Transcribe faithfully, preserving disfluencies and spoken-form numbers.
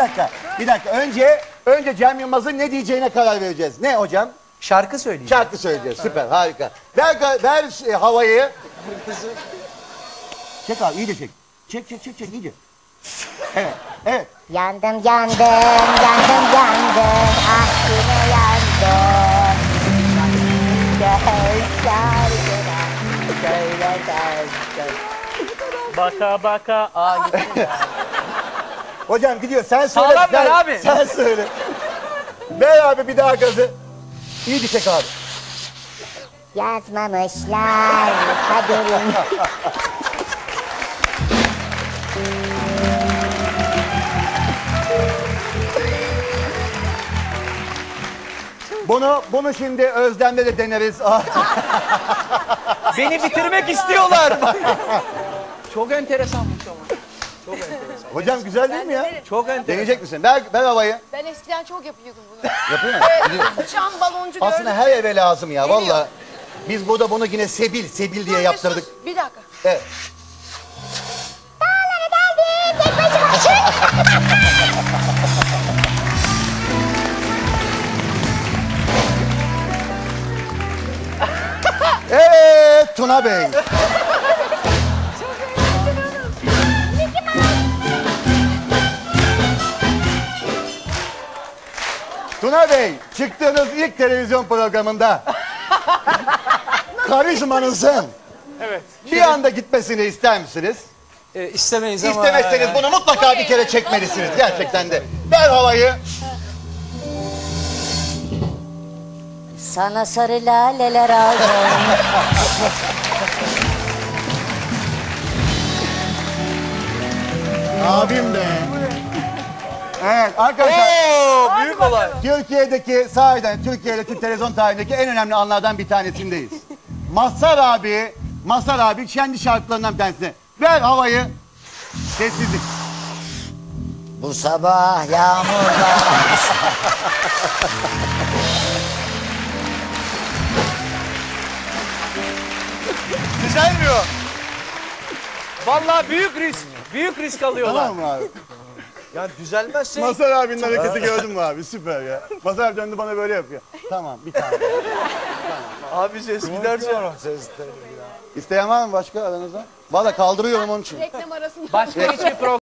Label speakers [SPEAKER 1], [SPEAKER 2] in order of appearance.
[SPEAKER 1] dakika, bir dakika. Önce, önce Cem Yılmaz'ın ne diyeceğine karar vereceğiz. Ne hocam?
[SPEAKER 2] Şarkı söyleyeceğim.
[SPEAKER 1] Şarkı söyleyeceğiz. Süper, harika. Ver, ver e, havayı. Çek abi, iyice çek. Çek, çek, çek, çek, iyice. Evet, evet.
[SPEAKER 3] Yandım, yandım, yandım, yandım. Ah yine yandım. Gel şarkına, söyle söyle.
[SPEAKER 2] Baka baka. Aa gitti.
[SPEAKER 1] Hocam gidiyor, sen söyle.
[SPEAKER 2] Sağlam ver
[SPEAKER 1] sen,
[SPEAKER 2] abi.
[SPEAKER 1] Sen söyle. Ver abi bir daha gazı. İyice çek abi.
[SPEAKER 3] Yazmamışlar kaderim.
[SPEAKER 1] Bunu, bunu şimdi Özlem'le de deneriz.
[SPEAKER 2] Beni bitirmek istiyorlar. Çok enteresanmış ama. Çok enteresan.
[SPEAKER 1] Hocam güzel değil mi ya?
[SPEAKER 2] Çok enteresan.
[SPEAKER 1] Deneyecek misin? Ver, ver havayı.
[SPEAKER 4] Ben eskiden çok yapıyordum bunu.
[SPEAKER 1] Yapıyor musun?
[SPEAKER 4] Evet, uçan baloncu gördüm.
[SPEAKER 1] Aslında her eve lazım ya
[SPEAKER 4] Geliyor.
[SPEAKER 1] valla. Biz burada bunu yine Sebil, Sebil diye
[SPEAKER 4] Dur,
[SPEAKER 1] yaptırdık.
[SPEAKER 4] Mesut, Bir dakika.
[SPEAKER 1] Evet.
[SPEAKER 3] Dağlara geldim, tek başıma çık.
[SPEAKER 1] Evet Tuna Bey. Tuna Bey, çıktığınız ilk televizyon programında karizmanızın
[SPEAKER 2] Evet.
[SPEAKER 1] bir anda gitmesini ister misiniz?
[SPEAKER 2] E, istemeyiz ama.
[SPEAKER 1] İstemezseniz bunu mutlaka bir kere çekmelisiniz gerçekten de. Ver havayı.
[SPEAKER 3] Sana sarı laleler aldım.
[SPEAKER 1] Abim be. Evet arkadaşlar.
[SPEAKER 2] Oo, büyük olay.
[SPEAKER 1] Türkiye'deki sahiden Türkiye'de Türk televizyon tarihindeki en önemli anlardan bir tanesindeyiz. Mazhar abi, Mazhar abi kendi şarkılarından bir tanesi. Ver havayı. Sessizlik.
[SPEAKER 3] Bu sabah yağmurlar.
[SPEAKER 2] Düzelmiyor. Vallahi büyük risk. Büyük risk alıyorlar.
[SPEAKER 1] Tamam mı abi?
[SPEAKER 2] Ya düzelmezse.
[SPEAKER 1] Mazhar abinin hareketi gördün mü abi? Süper ya. Mazhar abi döndü bana böyle yapıyor. Tamam bir tane.
[SPEAKER 2] Abi ses giderse.
[SPEAKER 1] İsteyen var mı başka aranızda? Valla kaldırıyorum onun için.
[SPEAKER 4] Reklam arasında.
[SPEAKER 2] Başka hiçbir program